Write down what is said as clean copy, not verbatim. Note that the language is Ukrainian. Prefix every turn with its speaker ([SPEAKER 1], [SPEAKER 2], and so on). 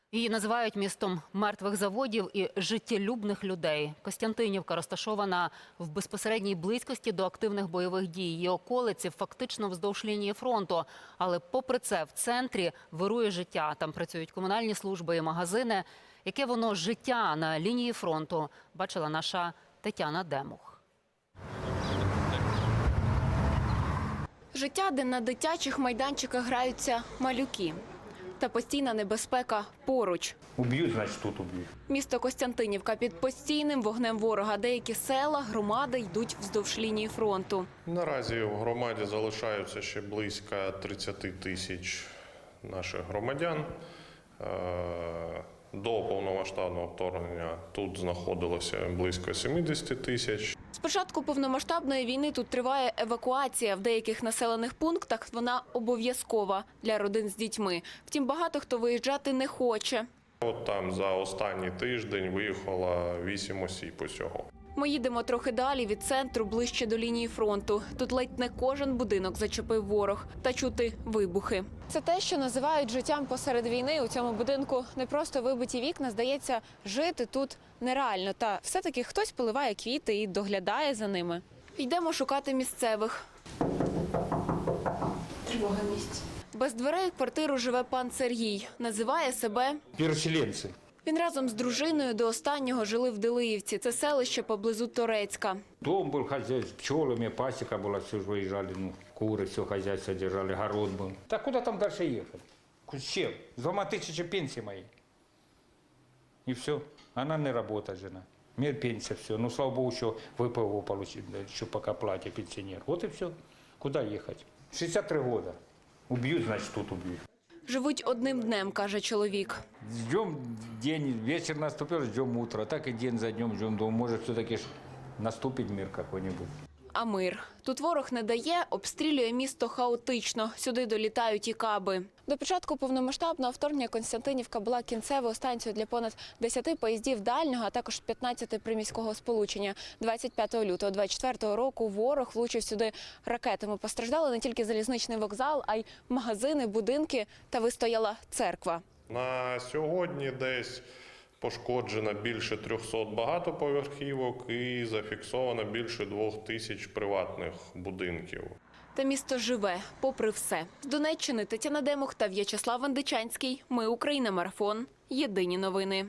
[SPEAKER 1] Її називають містом мертвих заводів і життєлюбних людей. Костянтинівка розташована в безпосередній близькості до активних бойових дій. Її околиці фактично вздовж лінії фронту. Але попри це в центрі вирує життя. Там працюють комунальні служби і магазини. Яке воно життя на лінії фронту, бачила наша Тетяна Демух.
[SPEAKER 2] Життя, де на дитячих майданчиках граються малюки. Та постійна небезпека поруч.
[SPEAKER 3] Уб'ють, значить тут уб'ють.
[SPEAKER 2] Місто Костянтинівка під постійним вогнем ворога. Деякі села, громади йдуть вздовж лінії фронту.
[SPEAKER 4] Наразі в громаді залишаються ще близько 30 тисяч наших громадян. До повномасштабного вторгнення тут знаходилося близько 70 тисяч.
[SPEAKER 2] З початку повномасштабної війни тут триває евакуація. В деяких населених пунктах вона обов'язкова для родин з дітьми. Втім, багато хто виїжджати не хоче.
[SPEAKER 4] От там за останній тиждень виїхало 8 осіб усього.
[SPEAKER 2] Ми їдемо трохи далі від центру, ближче до лінії фронту. Тут ледь не кожен будинок зачепив ворог. Та чути вибухи. Це те, що називають життям посеред війни. У цьому будинку не просто вибиті вікна. Здається, жити тут нереально. Та все-таки хтось поливає квіти і доглядає за ними. Йдемо шукати місцевих. Тривога місць. Без дверей в квартиру живе пан Сергій. Називає себе
[SPEAKER 3] Переселенці.
[SPEAKER 2] Він разом з дружиною до останнього жили в Делиївці. Це селище поблизу Торецька.
[SPEAKER 3] Дом був хазяйство, пчелами, пасіка була, все ж виїжджали, кури, все хазяйство держали, город був. Та куди там далі їхати? З чим? З 2000 пенсії мої. І все. Вона не працює, жена. Мір пенсія, все. Ну, слава Богу, що ВПО отримали, що поки платить пенсіонер. От і все. Куди їхати? 63 роки. Уб'ють, значить тут уб'ють.
[SPEAKER 2] Живуть одним днем, каже чоловік.
[SPEAKER 3] Ждем день, вечер наступил, ждем утро. Так и день за днем ждем. Думаю, может, все-таки наступить мир какой-нибудь.
[SPEAKER 2] А мир. Тут ворог не дає, обстрілює місто хаотично. Сюди долітають і каби. До початку повномасштабного вторгнення Костянтинівка була кінцевою станцією для понад 10 поїздів дальнього, а також 15 приміського сполучення. 25 лютого 24 року ворог влучив сюди ракетами. Постраждали не тільки залізничний вокзал, а й магазини, будинки та вистояла церква.
[SPEAKER 4] На сьогодні десь пошкоджено більше 300 багатоповерхівок і зафіксовано більше 2000 приватних будинків.
[SPEAKER 2] Та місто живе, попри все. З Донеччини Тетяна Демух та В'ячеслав Вандичанський. Ми Україна. Марафон. Єдині новини.